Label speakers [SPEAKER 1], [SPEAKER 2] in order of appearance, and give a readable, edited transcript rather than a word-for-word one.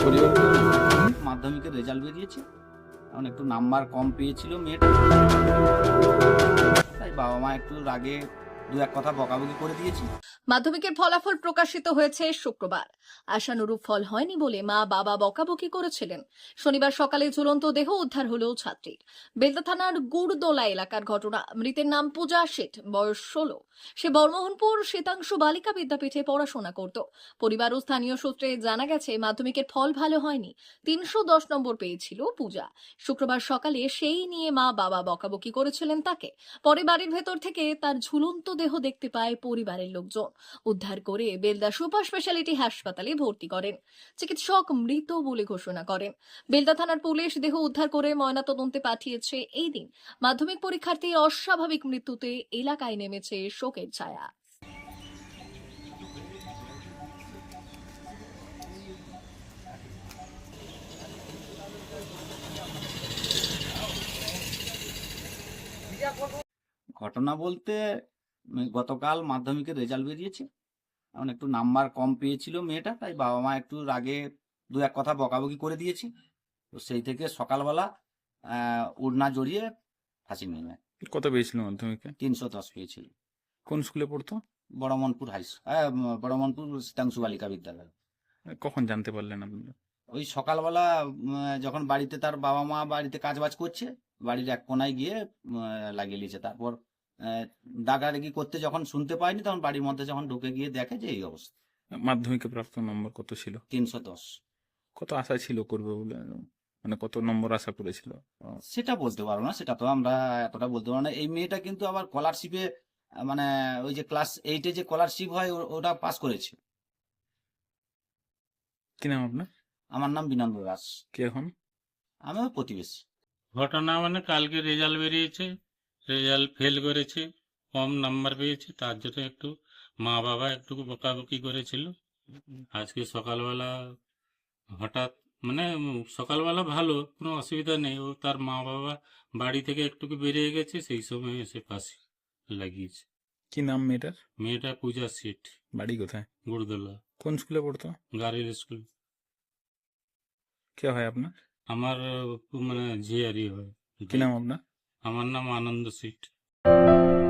[SPEAKER 1] মাধ্যমিকের রেজাল্ট বেরিয়েছে, এখন একটু নাম্বার কম পেয়েছিল মেয়েটা, তাই বাবা মা একটু রাগে দু এক কথা বকাবকি করে দিয়েছি।
[SPEAKER 2] মাধ্যমিকের ফলাফল প্রকাশিত হয়েছে শুক্রবার। আশানুরূপ ফল হয়নি বলে মা বাবা বকাবকি করেছিলেন। শনিবার সকালে ঝুলন্ত দেহ উদ্ধার হলো ছাত্রীর। বেলদা থানার গুড়দোলা এলাকার ঘটনা। মৃতের নাম পূজা শেঠ, বয়স 16। সে বর্মোহনপুর শীতাংশু বালিকা বিদ্যাপীঠে পড়াশোনা করত। পরিবার ও স্থানীয় সূত্রে জানা গেছে মাধ্যমিকের ফল ভালো হয়নি, 310 নম্বর পেয়েছিল পূজা। শুক্রবার সকালে সেই নিয়ে মা বাবা বকাবকি করেছিলেন তাকে। পরে বাড়ির ভেতর থেকে তার ঝুলন্ত দেহ দেখতে পায় পরিবারের লোকজন। উদ্ধার করে বেলদা সুপার স্পেশালিটি হাসপাতালে ভর্তি করেন। চিকিৎসক মৃত বলে ঘোষণা করেন। বেলদা থানার পুলিশ দেহ উদ্ধার করে ময়নাতদন্তে পাঠিয়েছে। এই দিন মাধ্যমিক পরীক্ষার্থীর অস্বাভাবিক মৃত্যুতে এলাকায় নেমেছে শোকের ছায়া।
[SPEAKER 1] ঘটনা বলতে গতকাল মাধ্যমিকের রেজাল্ট বেরিয়েছে, এখন একটু নাম্বার কম পেয়েছিল মেয়েটা, তাই বাবা মা একটু রাগে দু এক কথা বকাবকি করে দিয়েছি। তো সেই থেকে সকালবেলা ওড়না জড়িয়ে ফাঁসি নেমে
[SPEAKER 3] কত পেয়েছিল মাধ্যমিকে?
[SPEAKER 1] 310 পেয়েছিল।
[SPEAKER 3] কোন স্কুলে পড়তো?
[SPEAKER 1] বড়মনপুর বড়মনপুর শীতাংশু বালিকা বিদ্যালয়।
[SPEAKER 3] কখন জানতে পারলেন আপনারা?
[SPEAKER 1] ওই সকালবেলা যখন বাড়িতে তার বাবা মা বাড়িতে কাজ বাজ করছে, বাড়ির এক কোনায় গিয়ে লাগিয়ে নিয়েছে। তারপর ডাকাডাকি করতে যখন শুনতে পায়নি, তখন বাড়ির মধ্যে যখন ঢুকে গিয়ে দেখে যে এই অবস্থা।
[SPEAKER 3] মাধ্যমিকে প্রাপ্ত নম্বর কত ছিল?
[SPEAKER 1] 310।
[SPEAKER 3] কত আশা ছিল করবে বলে, মানে কত নম্বর আশা করেছিল?
[SPEAKER 1] সেটা বলতে পারবো না, সেটা তো আমরা এতটা বলতে পারবো না। এই মেয়েটা কিন্তু আবার স্কলারশিপে, মানে ওই যে ক্লাস 8-এ যে স্কলারশিপ হয় ওটা পাস করেছে।
[SPEAKER 3] কি নাম আপনার?
[SPEAKER 1] আমার নাম বিনন্দ দাস।
[SPEAKER 3] কে এখন?
[SPEAKER 1] আমি ওর প্রতিবেশী।
[SPEAKER 4] ঘটনা মানে কালকে রেজাল্ট বেরিয়েছে, রেজাল্ট ফেল করেছে, কম নাম্বার পেয়েছে, তার জন্য একটু মা বাবা একটু বকাবকি করেছিল। আজকে সকালবেলা হঠাৎ মানে সকালবেলা ভালো, কোনো অসুবিধা নেই, ও তার মা বাবা বাড়ি থেকে একটু বেরিয়ে গেছে, সেই সময় এসে ফাঁসি লাগিয়েছে।
[SPEAKER 3] কি নাম মেয়েটার?
[SPEAKER 4] মেয়েটা পূজা শেঠ,
[SPEAKER 3] বাড়ি কোথায়?
[SPEAKER 4] গুড়দোলা,
[SPEAKER 3] কোন স্কুলে পড়তো?
[SPEAKER 4] গাড়ির স্কুল।
[SPEAKER 3] কে হয় আপনার?
[SPEAKER 4] আমার মানে ঝিয়ারি হয়।
[SPEAKER 3] কি নাম আপনার?
[SPEAKER 4] আমার নাম আনন্দ শেঠ।